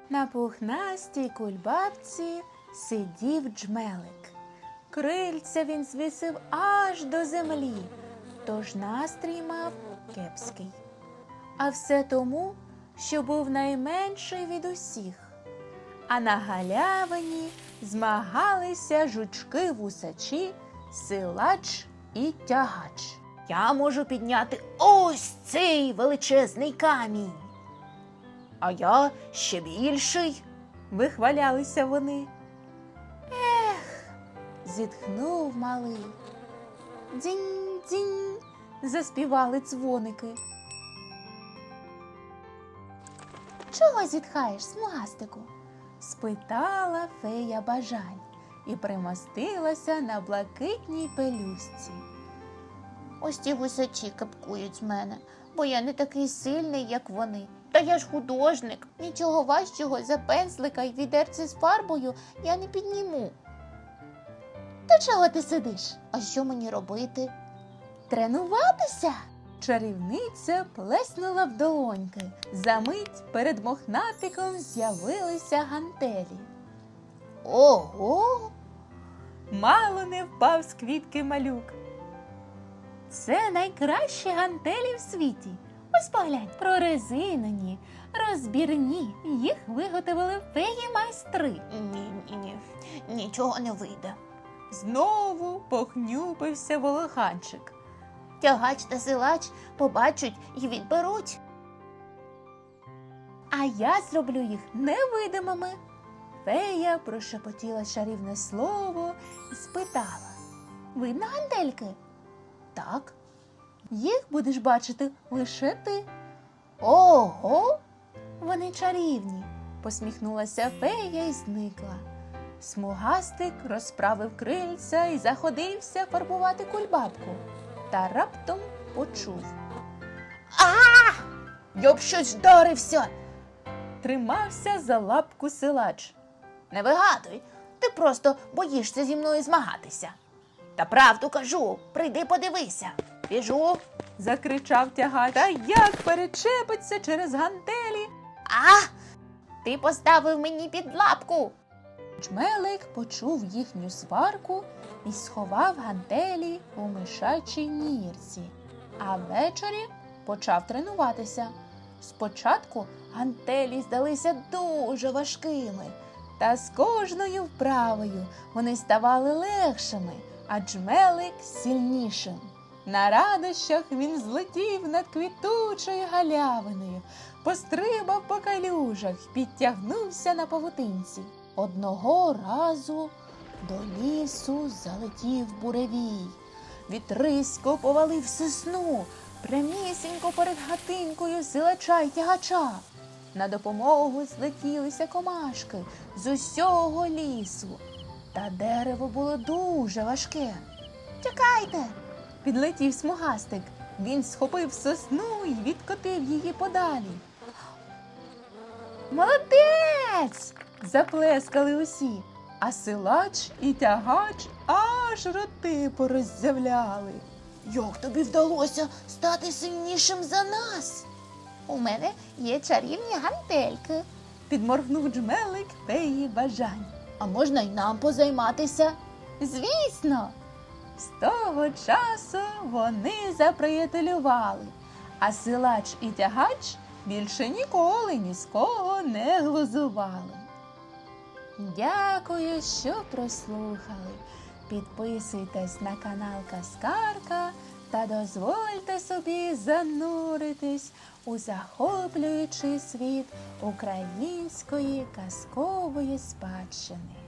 На пухнастій кульбабці сидів джмелик. Крильця він звісив аж до землі, тож настрій мав кепський. А все тому, що був найменший від усіх. А на галявині змагалися жучки-вусачі, силач і тягач. Я можу підняти ось цей величезний камінь. А я ще більший, вихвалялися вони. Зітхнув малий. Дзінь-дзінь, заспівали дзвоники. Чого зітхаєш, смугастику? Спитала фея бажань і примостилася на блакитній пелюстці. Ось ті гусачі капкують з мене, бо я не такий сильний, як вони. Та я ж художник, нічого важчого за пензлика й відерце з фарбою я не підніму. Та чого ти сидиш? А що мені робити? Тренуватися? Чарівниця плеснула в долоньки. Замить перед мохнатиком з'явилися гантелі. Ого! Мало не впав з квітки малюк. Це найкращі гантелі в світі. Ось поглянь, прорезинені, розбірні. Їх виготовили феї-майстри. Ні, нічого не вийде. Знову похнюпився волоханчик. Тягач та силач побачать і відберуть. А я зроблю їх невидимими. Фея прошепотіла чарівне слово і спитала. Видно гантельки? Так. Їх будеш бачити лише ти. Ого! Вони чарівні, посміхнулася фея і зникла. Смугастик розправив крильця і заходився фарбувати кульбабку. Та раптом почув. Я б щось вдарився! Тримався за лапку силач. Не вигадуй, ти просто боїшся зі мною змагатися. Та правду кажу, прийди подивися. Біжу. Закричав тягач. Та як перечепиться через гантелі? Ти поставив мені під лапку. Джмелик почув їхню сварку і сховав гантелі у мишачій нірці. А ввечері почав тренуватися. Спочатку гантелі здалися дуже важкими, та з кожною вправою вони ставали легшими, а джмелик сильнішим. На радощах він злетів над квітучою галявиною, пострибав по калюжах, підтягнувся на павутинці. Одного разу до лісу залетів буревій. Вітрисько повалив сосну, прямісінько перед хатинкою силача й тягача. На допомогу злетілися комашки з усього лісу. Та дерево було дуже важке. «Тікайте!» – підлетів смугастик. Він схопив сосну і відкотив її подалі. «Молодець!» – заплескали усі, а силач і тягач аж роти пороззявляли. Як тобі вдалося стати сильнішим за нас? У мене є чарівні гантельки, підморгнув джмелик феї бажань. А можна й нам позайматися? Звісно! З того часу вони заприятелювали, а силач і тягач більше ніколи ні з кого не глузували. Дякую, що прослухали. Підписуйтесь на канал Казкарка та дозвольте собі зануритись у захоплюючий світ української казкової спадщини.